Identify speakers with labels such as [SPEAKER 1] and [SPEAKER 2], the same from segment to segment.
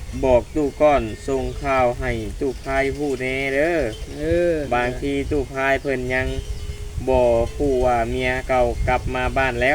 [SPEAKER 1] บอกตู้ก้อนส่งข่าวให้ตู้พายผู้แน่เด้อบางทีตู้พายเพิ่นยังบ่ผู้ว่าเมียเก่ากลับมาบ้านแล้ว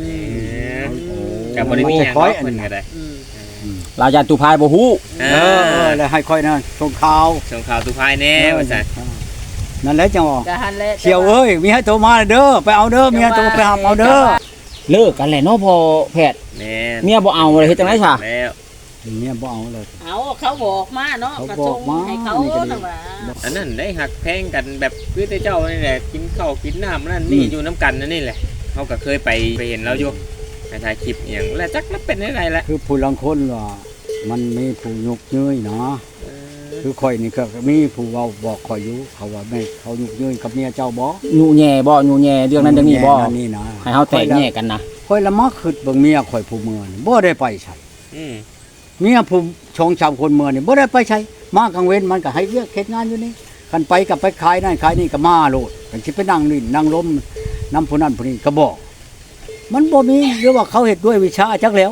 [SPEAKER 1] กับบริมีหยังเนาะเพิ่นก็ได้
[SPEAKER 2] ลาญาตุพายบ่ฮู้
[SPEAKER 3] แล้วให้ค่อยนะส่งข่าว
[SPEAKER 1] ตู้พายแน่ว่าซั่น
[SPEAKER 3] นั่นแหละจังว่าเชียวเอ้ยมีให้โทรมาเด้อไปเอาเด้อเมียโทรไปหาเอาเด้อ
[SPEAKER 2] เลิกกันแหละเนาะพอแพทย์
[SPEAKER 1] แม่
[SPEAKER 2] เมียบ่เอาเลยเฮ็ดจังได๋ซะ
[SPEAKER 1] แล้ว
[SPEAKER 3] เมียบ่เอาเลย
[SPEAKER 4] เอาเขาบอกมาเนาะกระทงให้เขาน่ะว่า
[SPEAKER 1] อันนั้นได้หักแพงกันแบบคือแต่เจ้านี่แหละกินข้าวกินน้ำนั่นนี่อยู่น้ำกันนั่นนี่แหละเขาก็เคยไปเห็นเราอยู่ในถ่ายคลิปอย่างแล้วจักแล้วเป็นอะไรละ
[SPEAKER 3] คือผู้ลังคนว่ามันมีผู้ยุกยื้ยเนาะคือข่อยนี่ก็มีผู้เว้าบอกข่อยอยู่เขาว่าแม่เขายุกยื้ยกับเมียเจ้าบ่
[SPEAKER 2] ยู่แย่บ่ยู่แย่เรื่องนั้นเรื่องนี้บ่
[SPEAKER 3] นี่นะ
[SPEAKER 2] ให้เฮาแตกแยกกันนะ
[SPEAKER 3] ข่อยละมักคิดเบิ่งเมียข่อยผู้เมืองบ่ได้ไปใช้เมียผู้ชงชาวคนเมืองนี่บ่ได้ไปใช้มากลางเว้นมันก็ให้เวียกเฮ็ดงานอยู่นี่คันไปกับไปขายนั่นขายนี่ก็มาโลดกันสิไปนั่งนี่นั่งล้มน้ำผู้นั้นผู้นี้ก็บอกมันบ่มีหรือว่าเขาเฮ็ดด้วยวิชาจักแล้ว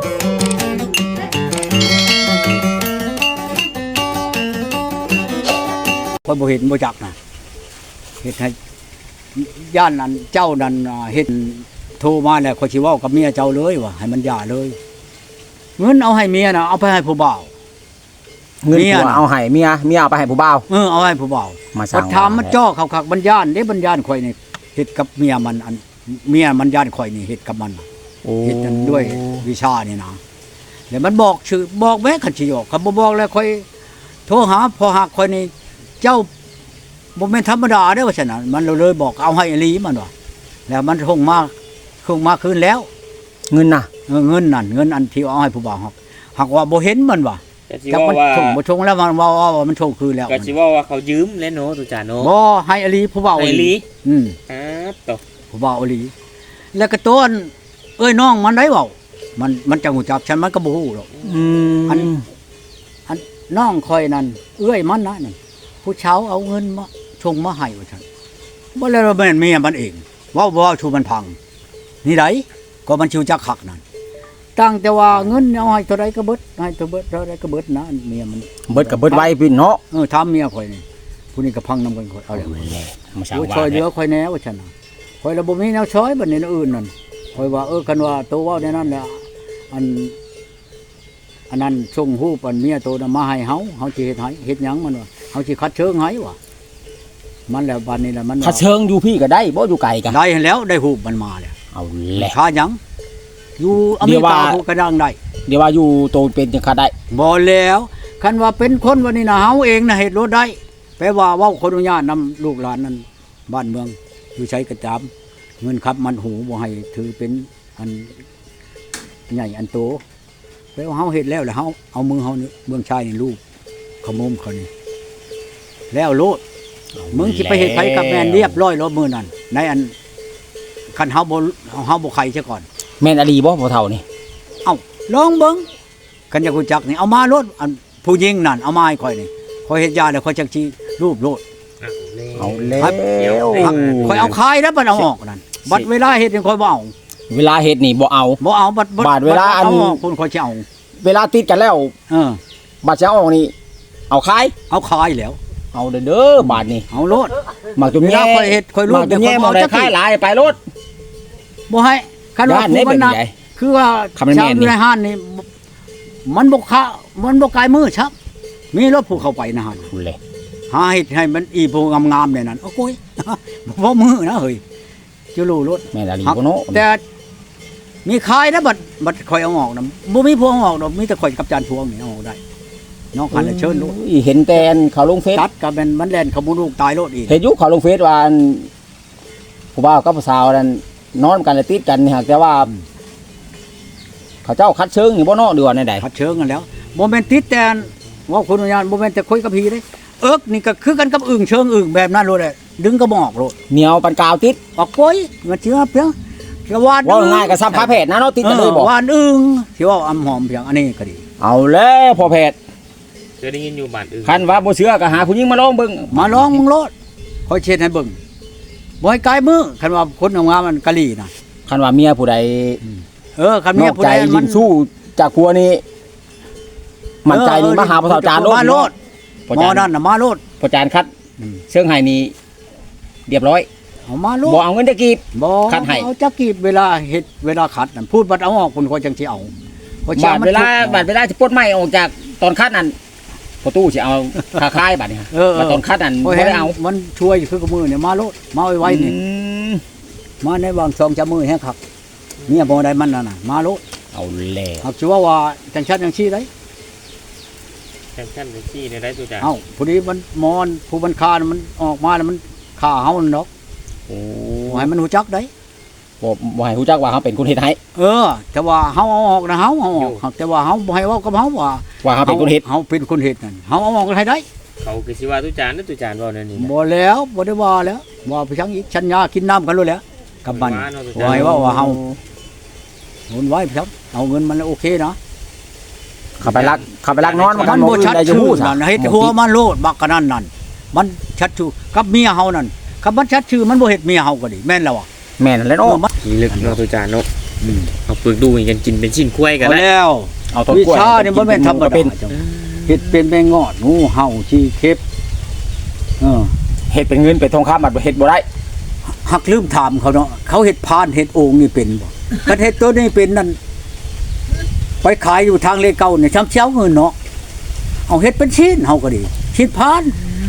[SPEAKER 3] ข่อยบ่เห็นบ่จักนะเฮ็ดให้ย่านนั้นเจ้านั้นเฮ็ดโทรมาแล้วข่อยสิเว้ากับเมียเจ้าเลยว่าให้มันหย่าเลยเงินเอาให้เมียน่ะเอาไปให้ผู้บ่าว
[SPEAKER 2] เงินผัวเอาให้เมียเอาไปให้ผู้บ่าว
[SPEAKER 3] เอาให้ผู้บ่าว
[SPEAKER 2] มาสั่ง
[SPEAKER 3] ถามมันจ้อคักๆบรรยานเด้บรรยานข่อยนี่เฮ็ดกับเมียมันอันเมียมันย่านข่อยนี่เฮ็ดกับมันเฮ็ดกันด้วยวิชานี่นะแล้วมันบอกชื่อบอกแม้คันสิออกคันบ่บอกแล้วข่อยโทรหาพอหักข่อยนี่เจ้าบ่แม่นธรรมดาเด้อว่าซั่นน่ะมันเลยบอกเอาให้อีหลีมันว่าแล้วมันคงมาคืนแล้ว
[SPEAKER 2] เงินน่ะ
[SPEAKER 3] เงินนั่นเงินอันที่เอาให้ผู้บ่าวหักว่าบ่เห็นมันว่าจักมันชงบ่ชงแล้วมันว่ามันชงคืนแล้ว
[SPEAKER 1] ก็สิว่าเขายืมแล้วเนาะตุจาเนาะ
[SPEAKER 3] บ่ให้อีหลีผู้บ่าว
[SPEAKER 1] อีหลี
[SPEAKER 3] ตอผู้บ่าวอีหลีแล้วก็ต้นเอ้ยน้องมันได้เว้ามันจังฮู้จักฉันมันก็บ่ฮู้หรอกอันน้องข่อยนั่นเอ้ยมันนะนั่นผู้เฒ่าเอาเงินมาชงมาให้ว่าซั่นบ่แล้วแม่นเมียมันเองเว้าชูมันพังนี่ไดก็มันชิวจักคักนั่นตั้งแต่ว่าเงินเอาให้เท่าใดก็เบิดให้เท่าใดก็เบิดนะเมียมัน
[SPEAKER 2] เบิดก็เบิดไว้พี่เนาะ
[SPEAKER 3] ถามเมียข่อยนี่ผู้นี้ก็พังนำกันข่อยเอาแล้วมาช่วยเหลือข่อยแน่ว่าซั่นน่ะข่อยละบ่มีแนวช้อยบัดนี้อื่นนั่นข่อยว่าคันว่าโตเว้าในนั้นแหละอันนั้นส่งรูปอันเมียโตน่ะมาให้เฮาสิเฮ็ดให้เฮ็ดหยังมันว่าเฮาสิคัดเชิงให้ว่ะมันแล้วบัดนี้แหละมัน
[SPEAKER 2] คัดเชิงอยู่พี่ก็ได้บ่อยู่ไกลกัน
[SPEAKER 3] ได้แล้วได้รูปมันมาแล้ว
[SPEAKER 2] เอาแหละ
[SPEAKER 3] ค่าหยังอยู่อเมริกาผู้กระดังได้
[SPEAKER 2] เดี๋ยวว่าอยู่โตเป็นจังค่าได้
[SPEAKER 3] บ่แล้วคันว่าเป็นคนวันนี้น่ะเฮาเองน่ะเฮ็ดรถได้แปลว่าเว้าขออนุญาตนำลูกหลานนั้นบ้านเมืองอยู่ใช้กระจามเงินครับมันหูบ่ให้ถือเป็นอันใหญ่อันโตแปลว่าเฮาเฮ็ดแล้วเฮาเอามือเฮานี่เมืองชายนี่ลูกขโมมเขานี่แล้วโลดมึงสิไปเฮ็ดไผกับแม่นเรียบร้อยแล้วมื้อนั้นในอันคันเฮาบ่ไข่ซะก่อน
[SPEAKER 2] แม่นอลีบ่พ่อเฒ่านี่
[SPEAKER 3] เอ้าลองเบิ่งกันอยากรู้จักนี่เอามารถอันผู้หญิงนั่นเอามาให้ข่อยนี่ข่อยเฮ็ดยาแล้วข่อยจักสิรูปโลด
[SPEAKER 2] เอาแล้ว
[SPEAKER 3] ข่อยเอาคายแล้วบัดเอาออกนั่นบัดเวลาเฮ็ดนี่ข่อยบ่เอา
[SPEAKER 2] เวลาเฮ็ดนี่บ่เอา
[SPEAKER 3] บัด
[SPEAKER 2] เวลาอัน
[SPEAKER 3] คนข่อยสิเอา
[SPEAKER 2] เวลาติดกันแล้วบัดจะออกนี่เอาคาย
[SPEAKER 3] แล้ว
[SPEAKER 2] เอาเด้อบาดนี่
[SPEAKER 3] เอาโลด
[SPEAKER 2] มักตัวแม่
[SPEAKER 3] ข่อยเฮ็ดข่อยรู้
[SPEAKER 2] แต่ข่อยบ่ได้คายหลายไปโลด
[SPEAKER 3] บ่ให้คันว่ามันนักคือว่าชาวอยู่ในห้านนี่มันบ่คะมันบ่กายมือชักมีรถผู้เข้าไปนะฮะ
[SPEAKER 2] พุ่นเลย
[SPEAKER 3] หาเฮ็ดให้มันอีผู้งามๆเนี่ยนั่นโอ้โกยบ่มือนะเฮ้ยจะรู้รถ
[SPEAKER 2] แม่นอลีบ่เนาะ
[SPEAKER 3] แต่มีขายนะบัดข่อยเอาออกนำบ่มีพวงออกดอกมีแต่ข่อยกับจานพวงนี่เอาออกได้น้องคันเชิญลูก
[SPEAKER 2] เห็นแต่เขาลงเฟซ
[SPEAKER 3] ตัดก็มันแล่นเขาบ่ลูกตายโลดอีก
[SPEAKER 2] เห็นอยู่เขาลงเฟซว่าผู้บ่าวกับผู้สาวนั่นนอนกันแล้วติดกันนี่ฮะแต่ว่าเขาเจ้าคัดเชิงนี่บ่เนาะหรือว่าในใด
[SPEAKER 3] คัดเชิงกันแล้วบ่แม่นติดแต่ว่าคนอนุญาตบ่แม่นแต่คุยกับพี่เด้นี่ก็คือกันกับอึ่งเชิงอึ่งแบบนั้นโลดแหละดึงก็บ่ออกโลด
[SPEAKER 2] เหนียวปานกาวติด
[SPEAKER 3] ออกโกยมันสิว่าเพียงกะวาด
[SPEAKER 2] ว่าง่ายก็ซ้ำพาแพทย์นะเนาะติดกันเลยบ่
[SPEAKER 3] วานอึ่งสิว่าอำหอมเพียงอันนี้ก็ดี
[SPEAKER 2] เอาแล้วพอแพทย์
[SPEAKER 1] เคยได้ยินอยู่บ้านอื่น
[SPEAKER 2] คันว่าบ่เชื่อก็หาผู้หญิงมาลองเบิ่ง
[SPEAKER 3] มาลองมึงโลดค่อยเช็ดให้เบิ่งบ่ให้กายมือคันว่าคนงามมันกะลีน่ะ
[SPEAKER 2] คันว่าเมียผู้ใด
[SPEAKER 3] คันเมียผู้ใด
[SPEAKER 2] มันสู้จากครัวนี้มั่นใจนี่มาหาพระเฒ่าจานโลด
[SPEAKER 3] มาโลด
[SPEAKER 2] พอ
[SPEAKER 3] หมอ
[SPEAKER 2] จาน
[SPEAKER 3] นั่นน่ะมาโลด
[SPEAKER 2] พอจานคัดเชิงไห้นี่เรียบร้อย
[SPEAKER 3] เอามาโลด
[SPEAKER 2] บ่เอาเงินตะกี้
[SPEAKER 3] บ่
[SPEAKER 2] คัดให้
[SPEAKER 3] เอาจักกีบเวลาเฮ็ดเวลาขัดนั่นพูดบัดเอาออกคนก็จังสิเอาเพระ
[SPEAKER 2] บาด
[SPEAKER 3] มัน
[SPEAKER 2] เวลา
[SPEAKER 3] ทุกข์
[SPEAKER 2] บาดเวลาสิปลดไม้ออกจากตอนคัดนั่นประตูสิเอาคาคายบัดนี้ฮะ มาตอนคัดนั่น
[SPEAKER 3] โอ้
[SPEAKER 2] บ่
[SPEAKER 3] ย
[SPEAKER 2] ได้เอา
[SPEAKER 3] มันช่วยคือกับมือเนี่ยมาโลดมาไว้ๆนี่
[SPEAKER 2] อืม
[SPEAKER 3] มาในวางซองจมือแห้งคักเนี่ยบ่ได้มันนั่นน่ะมาโลด
[SPEAKER 2] เอาแล้ว
[SPEAKER 3] เอาสิว่าจังชัดจังซี่ได้
[SPEAKER 1] แข่งขันไปที่ในได้ตัวจ่า
[SPEAKER 3] เอ้าผู้นี้มันมอนผู้บันคาน่ะมันออกมาแล้วมันฆ่าเฮานั่นดอก
[SPEAKER 2] โอ้
[SPEAKER 3] บ่ให้มันฮู้จักได้
[SPEAKER 2] บ่ให้ฮู้จักว่าเขาเป็นคนเฮ็ดให้
[SPEAKER 3] แต่ว่าเฮาเอาออกนะเฮาเอาออกแต่ว่าเฮาบ่ให้เว้ากับเฮาว่า
[SPEAKER 2] ว่าเขาเป็นคนเฮ็ด
[SPEAKER 3] เฮาเป็นคนเฮ็ดนั่นเฮาเอาออกให้ได้
[SPEAKER 1] เขาคือสิว่าตัวจานนั่นตัวจานว่านั่นนี่นะ
[SPEAKER 3] บ่แล้วบ่ได้ว่าแล้วว่าไปชังอีกชัญญากินน้ำกันเลยแหล้วกับมัน
[SPEAKER 1] ว่าเนาะตัว
[SPEAKER 3] ไว้
[SPEAKER 1] จาน
[SPEAKER 3] ว่าเฮาโอนไว้ครับเอาเงินมันโอเคนะ
[SPEAKER 2] เขาไปลักนอน
[SPEAKER 3] มันบ่ชัดชื่อนั่นเฮ็ดหัวมันโลดบักกันนั่นมันชัดชื่อกับเมียเฮานั่นกับมันชัดชื่อมันบ่เฮ็ดเมียเฮาก็ดีแม่นแล้วอ่ะ
[SPEAKER 2] แม่นแล้วเนาะ
[SPEAKER 1] ขี้ลึกเนาะตัวจานเนาะเอาปึกดูกันกินเป็นชิ้นกล้วยกัน
[SPEAKER 3] เอา
[SPEAKER 1] ได้
[SPEAKER 3] แล้ว
[SPEAKER 2] เอาต้น
[SPEAKER 3] วิ
[SPEAKER 2] กล้วย
[SPEAKER 3] ชานี่บ่แม่นธรรมดา
[SPEAKER 2] เป็น
[SPEAKER 3] จังเฮ็ดเป็นแม่งอดงูเห่าขี้เข็บเออ
[SPEAKER 2] เฮ็ดเป็นเงินเป็นทองคำบัดบ่เฮ็ดบ่ได้
[SPEAKER 3] หักลืมถามเขาเนาะเขาเฮ็ดพานเฮ็ดโอ่งนี่เป็นบ่คันเฮ็ดตัวนี้เป็นนั่นไปขายอยู่ทางเลเก่าเนี่ยช้ำเช้าเงินเนาะเอาเฮ็ดเป็นชิ้นเฮาก็ดีชิ้นพาน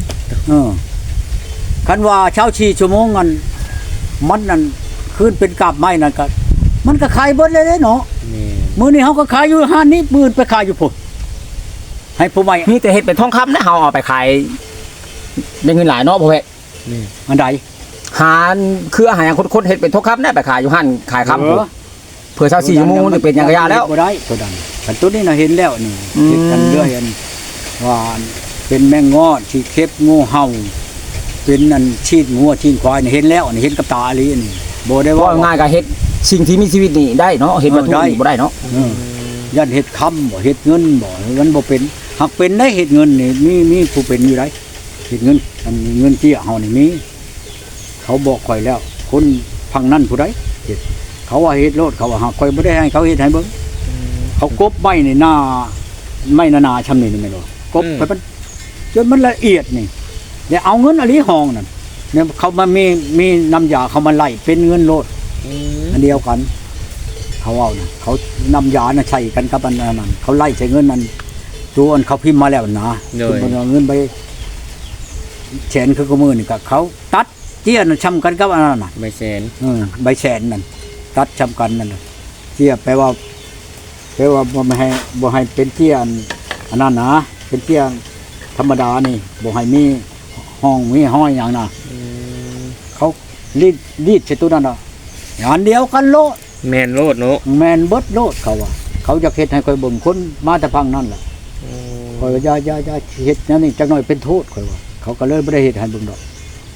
[SPEAKER 3] คันว่าเช้าชีชั่วโมงนั้นมันนั่นคืนเป็นกาบไม้นั่นก็มันก็ขายเบิดเลยเนาะ
[SPEAKER 1] นี่
[SPEAKER 3] มื้อนี้เฮาก็ขายอยู่ห้านนี้มื้อไปขายอยู่พุ่นให้ผู้ใหม่
[SPEAKER 2] มีแต่เฮ็ดเป็นทองคำนะเฮาเอาไปขายได้เงินหลายเนาะพ่อแม่
[SPEAKER 1] นี่
[SPEAKER 3] อันใด
[SPEAKER 2] หาคืออาหารคนๆเฮ็ดเป็นทองคำนะไปขายอยู่ห้านขายคำ
[SPEAKER 3] เออ
[SPEAKER 2] เผื่อ24ชั่วโมงนี่เป็นหยังกะยาแล้ว
[SPEAKER 3] บ่ได้ตัวนั้นอันตัวนี้น่ะเห็นแล้วนี่
[SPEAKER 2] อืม
[SPEAKER 3] เฮ็ดกันเรื่อยอันว่าเป็นแมงงอดที่เข็บงูเห่าเป็นอันชีดงัวชีดควายนี่เห็นแล้วนี่เห็นกับตาอีหลีนี่บ่ได้
[SPEAKER 2] ว่า
[SPEAKER 3] ว่า
[SPEAKER 2] ง่ายก็เฮ็ดสิ่งที่มีชีวิตนี่ได้เนาะเฮ็ดวัตถุ
[SPEAKER 3] ได้
[SPEAKER 2] นี่บ่ได้เนาะ
[SPEAKER 3] ยันเฮ็ดคำบ่เฮ็ดเงินบ่มันบ่เป็นหากเป็นได้เฮ็ดเงินนี่มีผู้เป็นอยู่ได้เฮ็ดเงินอันนี้เงินเจี้ยเฮานี่มีเขาบอกข่อยแล้ว คนพังนั่นผู้ใดเฮ็ดเขาว่าเฮ็ดโลดเขาว่าหากข่อยบ่ได้ให้เขาเฮ็ดให้เบิ่งเขากบไม้นี่หน้าไม้นาๆชำนี่แม่นบ่กบไปมันจนมันละเอียดนี่เนี่ยเอาเงินอลีห้องนั่นเนี่ยเขามามีน้ำยาเขามาไล่เป็นเงินโลดอันเดียวกัน เขาเอานะเขานำยานะใช้กันกับอันนั้นเขาไล่ใช้เงินนั้นตัวอันเขาพิมพ์มาแล้วนะคือมันเอาเงินไปแสนคือกระมือนี่ก็เขาตัดเจี้ยนช้ำกันกับอันนั้นน่ะ
[SPEAKER 1] ใบแสน
[SPEAKER 3] ใบแสนนั่นตัดช้ำกันนั่นน่ะเจี้ยแปลว่าบ่ให้เป็นเจี้ยอันนั้นนะเป็นเจี้ยธรรมดานี่บ่ให้มีห้องมีห้อยอย่างน่ะเขารีดใส่ตัวนั้นน่ะอย่างเดียวกันโลด
[SPEAKER 1] แมนโลดเนาะ
[SPEAKER 3] แมนเบิดโลดเขาว่าเขาจะเฮ็ดให้คอยเบิ่งคนมาแต่พังนั่นแหละคอยว่าอย่าเฮ็ดแนวนี้จักหน่อยเป็นโทษคอยว่าเขาก็เลยบ่ได้เฮ็ดให้เบิ่งดอก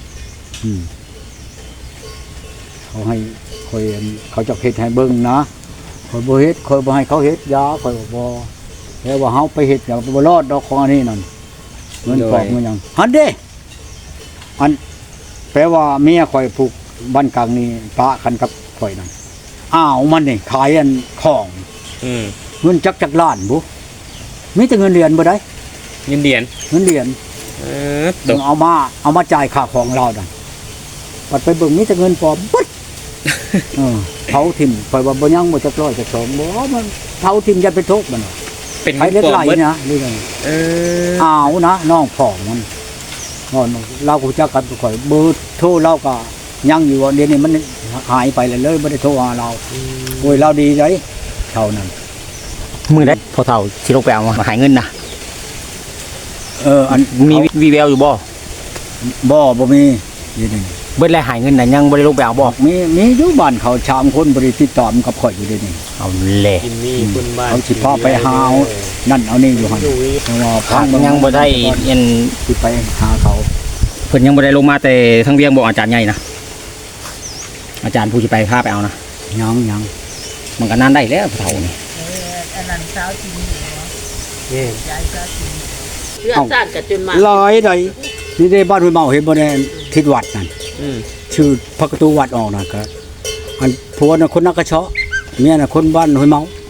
[SPEAKER 3] เขาให้คอยเขาจะเฮ็ดให้เบิ่งนะคอยบ่เฮ็ดคอยบ่ให้เขาเฮ็ดยาคอยบ่แต่ว่าเฮาไปเฮ็ดก็บ่รอดดอกของอันนี้นั่นเงินปอกมันหยังหันเด้อันแปลว่าเมียคอยผูกบ้านกลางนี่ปะกันกับข่อยนั่นอ้าวมันนี่ขายอันของเงินจักล้านบุมีแต่เงินเดือนบ่ได้
[SPEAKER 1] เงินเดือน
[SPEAKER 3] เงินเดือน
[SPEAKER 1] ตก
[SPEAKER 3] เอามาจ่ายค่าของเราดันปัดไปเบิ่งมีแต่เงินปลอมปึ๊ดเผาทิ่มไปว่าบ่ยังบ่จักร้อยจักสองบ่มันเผาทิ่มจะเป็นทุกข์มัน
[SPEAKER 1] เป็น
[SPEAKER 3] ไผ
[SPEAKER 1] เงิน
[SPEAKER 3] เล็ก
[SPEAKER 1] ปลอ
[SPEAKER 3] ไหล
[SPEAKER 1] มเบิด
[SPEAKER 3] นะนี่ไง
[SPEAKER 1] อ
[SPEAKER 3] อ้าวนะน้องพ่องมันเราก็จักกันข่อยเบอร์โทรเราก็ยังอยู่เดี๋ยวนี้มันหายไปเลยบ่ได้โทรหาเราโอ้ยเราดีใจเท่านั้น
[SPEAKER 2] มื้อใดพอเฒ่าสิลงไปเอามาหายเงินนะ
[SPEAKER 3] อัน
[SPEAKER 2] มีวีแววอยู่บ่
[SPEAKER 3] บ่มีนี่นี่
[SPEAKER 2] เบิดแล้วหายเงินน่ะยังบ่ได้ลงไปเอาบ่
[SPEAKER 3] มีอยู่บ้านเขาชามคนบ่ได้ติดต่อมันกับข่อยอยู่เดี๋ยวนี้
[SPEAKER 2] เอาแหละ
[SPEAKER 1] กินนี่คุณบ้าน
[SPEAKER 3] เขาสิพาไปหาเอานั่นเอานี่อยู่หั่นเพราะว่า
[SPEAKER 2] ทางยังบ่ได้ยัน
[SPEAKER 3] สิไปหาเขา
[SPEAKER 2] เพิ่นยังบ่ได้ลงมาแต่ทางเวียงบอกอาจารย์ใหญ่นะอาจารย์ผู้สิไปพาไปเอานะ
[SPEAKER 3] ยัง
[SPEAKER 2] มันก็นานได้แล้วพอเฒ่านี่
[SPEAKER 4] อันนั้นเช้าจริง
[SPEAKER 1] นี่
[SPEAKER 4] ยายเช้าจริงเลือดซ่านกับจนมา
[SPEAKER 3] หลายใดนี่ได้บ้านห้วยเมาเห็นบ่ได้ทิศวัดนั่น ชื่อพระประตูวัดออกนะก็อันผัวน่ะคนนักกระเชาะเมียน่ะคนบ้านห้วยเมา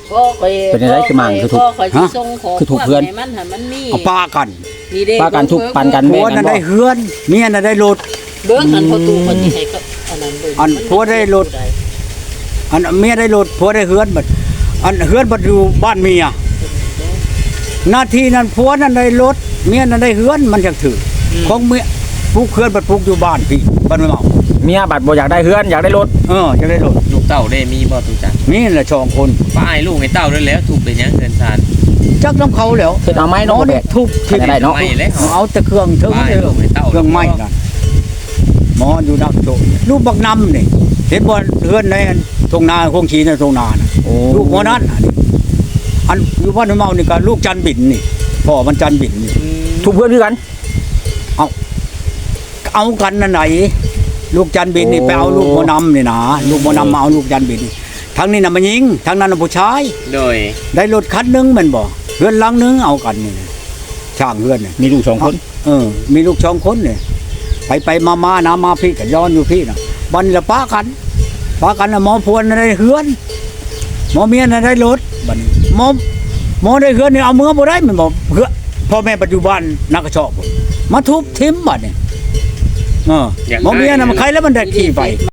[SPEAKER 4] พ่อคอย
[SPEAKER 2] เป็นอะไรคือมั่งคือถูก
[SPEAKER 4] พ่อคอยสิส่งของ
[SPEAKER 2] คือถูกเพื่อน
[SPEAKER 4] ให้มันหันมันมี
[SPEAKER 3] เอาปากัน
[SPEAKER 4] นี่เด้
[SPEAKER 2] ปากันทุกปันกัน
[SPEAKER 3] ผัวน่ะได้เฮือนเมียน่ะได้รถ
[SPEAKER 4] เบิ่งหันประตูคนที่ให้ก็อันนั้นเบิ่ง
[SPEAKER 3] อันผัวได้รถ อันเมียได้รถผัวได้เฮือนบัดอันเฮือนบัดอยู่บ้านเมียหน้าที่นั้นผัวนั้นได้รถเมียนั้นได้เฮือนมันจังถือของเมียปลูกเฮือนบัดปลูกอยู่บ้านพี่บ้านไม่เมา
[SPEAKER 2] เมียบัดบ่อยากได้เฮือนอยากได้รถ
[SPEAKER 3] จะได้รถ
[SPEAKER 1] ลูกเต้าได้มีบ่ตุจัก
[SPEAKER 3] นี่แหละชองคน
[SPEAKER 1] ป้ายลูกให้เต้าด้วยแล้วถูกเป็นหยังเกินซาน
[SPEAKER 3] จักน้ำเขาแล้ว
[SPEAKER 2] เฮ็ดเอาไม้เนาะบ่แบก
[SPEAKER 3] ทุบ
[SPEAKER 2] ใครได้เนาะ
[SPEAKER 1] ไม่แล้ว
[SPEAKER 3] เอาแต่เครื่องเถิง
[SPEAKER 1] ป้าย
[SPEAKER 3] เลย
[SPEAKER 1] ลูกให้เต้า
[SPEAKER 3] เครื่องไม้นั่นหมออยู่นักโตลูกบักนำนี่เห็นบ่เฮือนในตรงนาคงชีในตรงนาน่ะ
[SPEAKER 2] โอ้
[SPEAKER 3] ลูกหมอนั้นอันอยู่บ้านเมานี่ก็ลูกจันบินนี่พ่อมันจันบินนี่
[SPEAKER 2] ทุกเพื่อนคือกัน
[SPEAKER 3] เอากันนั่นไหนลูกจันบินนี่
[SPEAKER 2] โอ้
[SPEAKER 3] ไปเอาลูกหมอนำนี่นะลูกหมอนำมาเอาลูกจันบินนี่ทั้งนี้น่ะมันยิงทั้งนั้นน่ะผู้ชาย
[SPEAKER 1] โดย
[SPEAKER 3] ได้รถคันหนึงแมันบ่เฮือนหลังหนึงเอากันนี่ช่างเฮือนนี่
[SPEAKER 2] มีลูก2คน
[SPEAKER 3] มีลูก2คนนี่ไปมานะมาพี่ก็ย้อนอยู่พี่น่ะบัดนละป้ากันน่ะหมอพวนน่ะได้เฮือนหมอเมียน่ะได้รถบัดนี้หมอได้เฮือนนี่เอาเมือบ่ได้แมันบ่เฮือพ่อแม่ปัจจุบันนักกระชอบพุ่นมาทุบทิ่มบัดนี่หมอเมียน่ะมันใครแล้วมันได้ขี่ไป